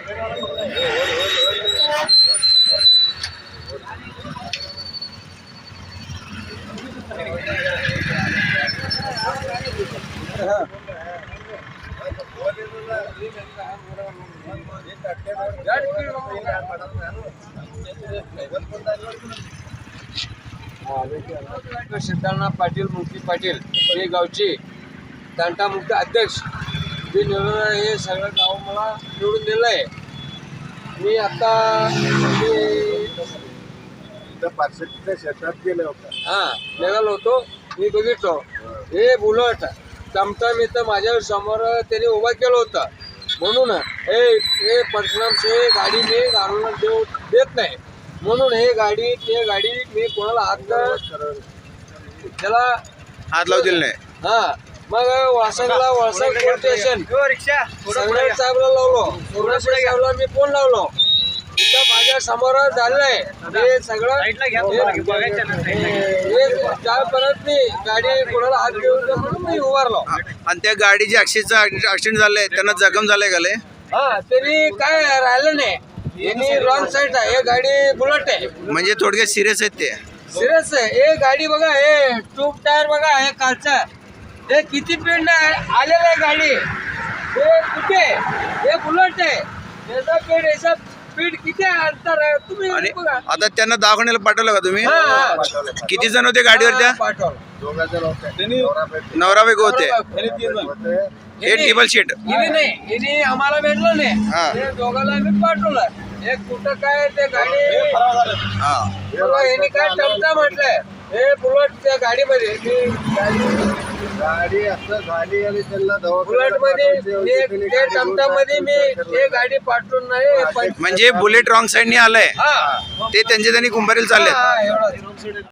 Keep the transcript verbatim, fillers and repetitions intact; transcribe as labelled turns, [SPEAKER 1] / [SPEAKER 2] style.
[SPEAKER 1] सिद्धार्थ पाटील मुक्ती पाटील हे गावचे तंटामुक्त अध्यक्ष जे निवडून हे सगळं गाव मला निवडून दिलं आहे. मी आता
[SPEAKER 2] पार्श्वच्या शेतात गेले होते.
[SPEAKER 1] हां निघालो होतो. मी बघितलो हे बुलट टमटम इथं माझ्या समोर त्याने उभा केलं होतं. म्हणून हे हे परशुराम हे गाडी मी घालून देऊ देत नाही. म्हणून हे गाडी ते गाडी मी कोणाला हात त्याला
[SPEAKER 3] हात लावू दिले नाही.
[SPEAKER 1] हा मग वासंगला वासंग पोलीस स्टेशन संग्राम साहेबला लावलो. संग्राम साहेबला मी फोन लावलो. इथं माझ्या समोर झालंय हे सगळं. त्यापर्यंत मी गाडी कोणाला हात घेऊन म्हणून मी उभारलो.
[SPEAKER 3] आणि त्या गाडीचे ऍक्सिडेंट ऍक्सिडेंट झालंय त्यांना जखम झालंय का?
[SPEAKER 1] हा तरी काय राहिलं नाही. यांनी रॉंग साईड आहे. हे गाडी बुलेट आहे
[SPEAKER 3] म्हणजे थोडक्यात सिरियस आहेत ते.
[SPEAKER 1] सिरियस आहे. हे गाडी बघा हे ट्यूब टायर बघा हे कालचा हे किती स्पीड आलेलं आहे गाडी. हे कुठे हे बुलेट आहे. याचा स्पीड याचा स्पीड किती अंतर आहे तुम्ही
[SPEAKER 3] आणि
[SPEAKER 1] बघा.
[SPEAKER 3] आता त्यांना दवाखान्याला पाठवलं का तुम्ही?
[SPEAKER 1] हा, हा.
[SPEAKER 3] किती जण होते गाडीवर त्या?
[SPEAKER 1] पाठवलं.
[SPEAKER 2] दोघा जण होते.
[SPEAKER 3] नवरा बायको होते.
[SPEAKER 2] होते.
[SPEAKER 3] हे टेबल शीट
[SPEAKER 1] हिने नाही हिने आम्हाला भेटलं
[SPEAKER 3] हा.
[SPEAKER 1] नाही. हे दोघांना मी पाठवलं. हे कुठं काय ते गाडी
[SPEAKER 3] हा
[SPEAKER 1] बघा यांनी काय टमटा म्हटलंय. हे बुलेट त्या गाडीमध्ये मी गाडी
[SPEAKER 2] गाडी असं झाली आणि त्यांना
[SPEAKER 1] बुलेट मध्ये ते टमटा मध्ये मी हे गाडी पाठवून नाही.
[SPEAKER 3] म्हणजे बुलेट रॉंग साईडने आलंय
[SPEAKER 1] हा
[SPEAKER 3] ते त्यांचे त्यांनी कुंभारीला चालले.
[SPEAKER 1] हा, एवढं